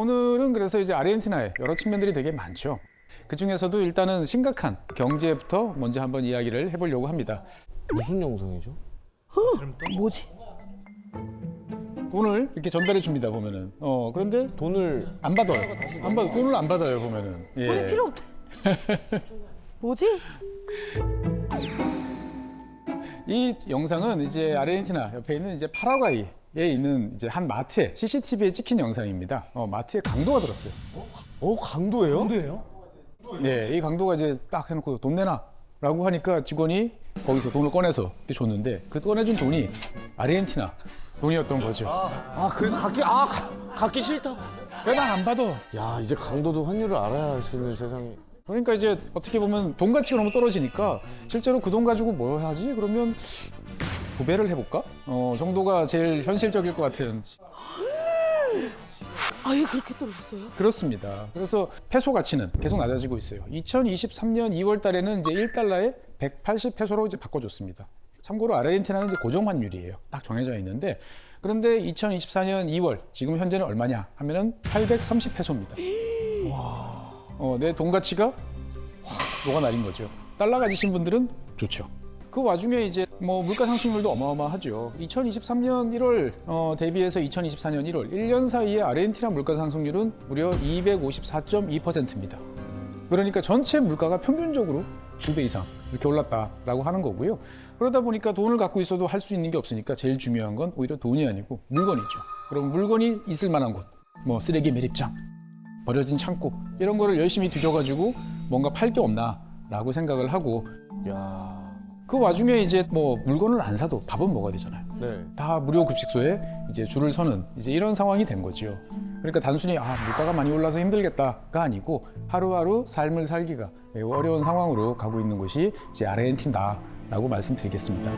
오늘은 그래서 이제 아르헨티나의 여러 측면들이 되게 많죠. 그 중에서도 일단은 심각한 경제부터 먼저 한번 이야기를 해보려고 합니다. 무슨 영상이죠? 뭐지? 돈을 이렇게 전달해 줍니다 보면은. 그런데 돈을 안 받아요. 안 받아. 돈을 안 받아요 보면은. 예. 돈이 필요 없대. 뭐지? 이 영상은 이제 아르헨티나 옆에 있는 이제 파라과이에 있는 이제 한 마트에 CCTV에 찍힌 영상입니다. 마트에 강도가 들었어요. 강도예요? 뭔데요? 예, 이 강도가 이제 딱 해놓고 돈 내놔라고 하니까 직원이 거기서 돈을 꺼내서 이렇게 줬는데 그 꺼내준 돈이 아르헨티나 돈이었던 거죠. 그래서 갖기 싫다고. 왜나 안 받아? 야, 이제 강도도 환율을 알아야 할 수 있는 세상이. 그러니까 이제 어떻게 보면 돈 가치가 너무 떨어지니까 실제로 그 돈 가지고 뭐 하지? 그러면 구매를 해볼까? 정도가 제일 현실적일 것 같은. 아예 그렇게 떨어졌어요? 그렇습니다. 그래서 페소 가치는 계속 낮아지고 있어요. 2023년 2월 달에는 이제 1달러에 180 페소로 이제 바꿔줬습니다. 참고로 아르헨티나는 이제 고정 환율이에요. 딱 정해져 있는데 그런데 2024년 2월 지금 현재는 얼마냐 하면은 830 페소입니다. 내 돈 가치가 확 녹아내린 거죠. 달러 가지신 분들은 좋죠. 그 와중에 이제 뭐 물가 상승률도 어마어마하죠. 2023년 1월 대비해서 2024년 1월 1년 사이에 아르헨티나 물가 상승률은 무려 254.2%입니다. 그러니까 전체 물가가 평균적으로 2배 이상 이렇게 올랐다라고 하는 거고요. 그러다 보니까 돈을 갖고 있어도 할 수 있는 게 없으니까 제일 중요한 건 오히려 돈이 아니고 물건이죠. 그럼 물건이 있을 만한 곳, 뭐 쓰레기 매립장, 버려진 창고 이런 거를 열심히 뒤져가지고 뭔가 팔 게 없나라고 생각을 하고 야. 그 와중에 이제 뭐 물건을 안 사도 밥은 먹어야 되잖아요. 네. 다 무료 급식소에 이제 줄을 서는 이제 이런 상황이 된 거죠. 그러니까 단순히 물가가 많이 올라서 힘들겠다가 아니고 하루하루 삶을 살기가 매우 어려운 상황으로 가고 있는 곳이 이제 아르헨티나라고 말씀드리겠습니다.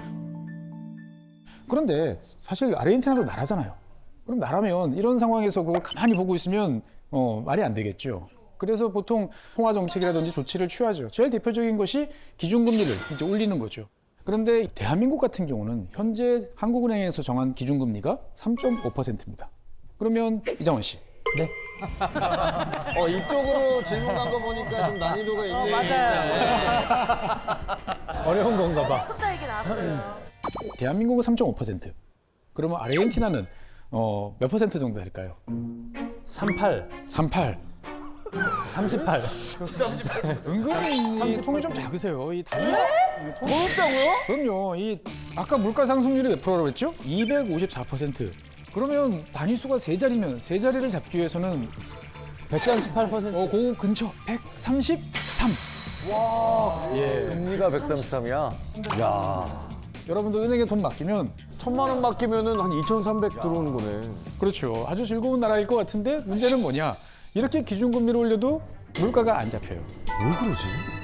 그런데 사실 아르헨티나도 나라잖아요. 그럼 나라면 이런 상황에서 그걸 가만히 보고 있으면 말이 안 되겠죠. 그래서 보통 통화 정책이라든지 조치를 취하죠. 제일 대표적인 것이 기준금리를 이제 올리는 거죠. 그런데 대한민국 같은 경우는 현재 한국은행에서 정한 기준금리가 3.5%입니다. 그러면 이장원 씨. 네. 이쪽으로 질문 간 거 보니까 좀 난이도가 있네. 맞아요. 어려운 건가 봐. 숫자 얘기 나왔어요. 대한민국은 3.5%. 그러면 아르헨티나는 몇 퍼센트 정도 될까요? 38, 38. 38. 은근히 통이 좀 작으세요. 이 단위. 더 높다고요? 그럼요. 아까 물가 상승률이 몇 프로라고 했죠? 254%. 그러면 단위수가 세 자리면 세 자리를 잡기 위해서는 138%. 그 근처 133. 금리가 133이야. 야. 여러분들 은행에 돈 맡기면 1,000만 원 맡기면은 한 2,300 들어오는 거네. 그렇죠. 아주 즐거운 나라일 것 같은데 문제는 뭐냐? 이렇게 기준금리를 올려도 물가가 안 잡혀요. 왜 그러지?